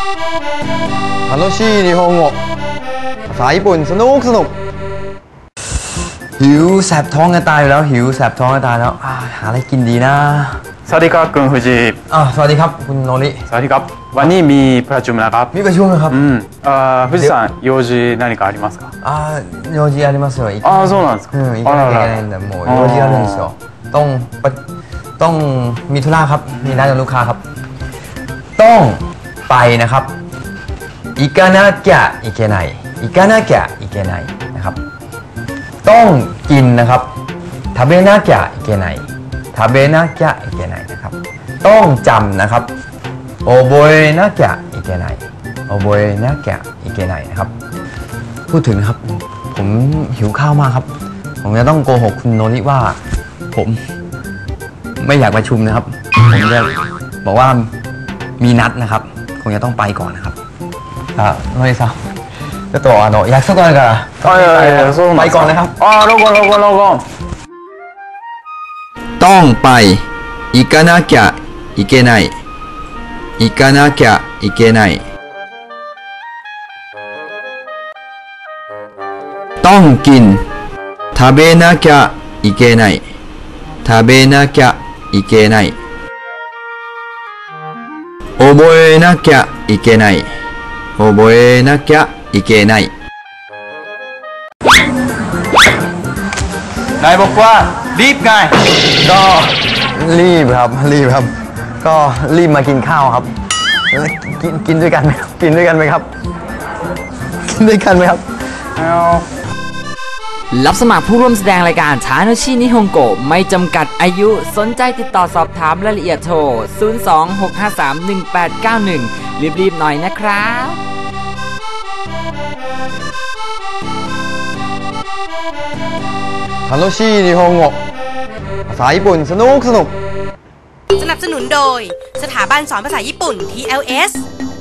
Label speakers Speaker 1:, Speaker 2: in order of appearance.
Speaker 1: 楽しい日本語ภาษาญี่ปุ่นสนุกหิวแสบท้องกันตายอยู่แล้วหิวแสบท้องกันตายแล้วหาอะไรกินดีนะ
Speaker 2: สวัสดีครับคุณฟูจิ
Speaker 1: สวัสดีครับคุณโนริ
Speaker 2: สวัสดีครับวันนี้มีประชุมนะครับ
Speaker 1: มีประชุมครับ
Speaker 2: ฟูจิさん用事何かありますか
Speaker 1: 用事ありますよ
Speaker 2: そうなんですか
Speaker 1: 行かなきゃいけないんでもう用事あるんですよต้องมีธุระครับมีนัดกับลูกค้าครับต้องไปนะครับ行かなきゃいけない行かなきゃいけないนะครับต้องกินนะครับ食べなきゃいけない食べなきゃいけないนะครับต้องจำนะครับ覚えなきゃいけない覚えなきゃいけないนะครับพูดถึงครับผมหิวข้าวมากครับผมจะต้องโกหกคุณโนริว่าผมไม่อยากประชุมนะครับผมจะบอกว่ามีนัดนะครับคงจะต้องไปก่อนนะครับโนริさんちょっと約束あるからไปก่อนนะครับ
Speaker 2: ロゴ
Speaker 1: ต้องไป行かなきゃいけない行かなきゃいけないต้องกิน食べなきゃいけない食べなきゃいけない覚えなきゃいけない覚えなきゃいけない
Speaker 2: นายบอกว่ารีบไง
Speaker 1: ก็รีบครับก็รีบมากินข้าวครับกินด้วยกันไหมกินด้วยกันไหมครับ
Speaker 3: รับสมัครผู้ร่วมแสดงรายการทาโนชินิฮงโกะไม่จำกัดอายุสนใจติดต่อสอบถามรายละเอียดโทร 026531891 รีบๆหน่อยนะครับ
Speaker 1: 楽しい日本語ภาษาญี่ปุ่นสนุก
Speaker 4: สนับสนุนโดยสถาบันสอนภาษาญี่ปุ่น TLS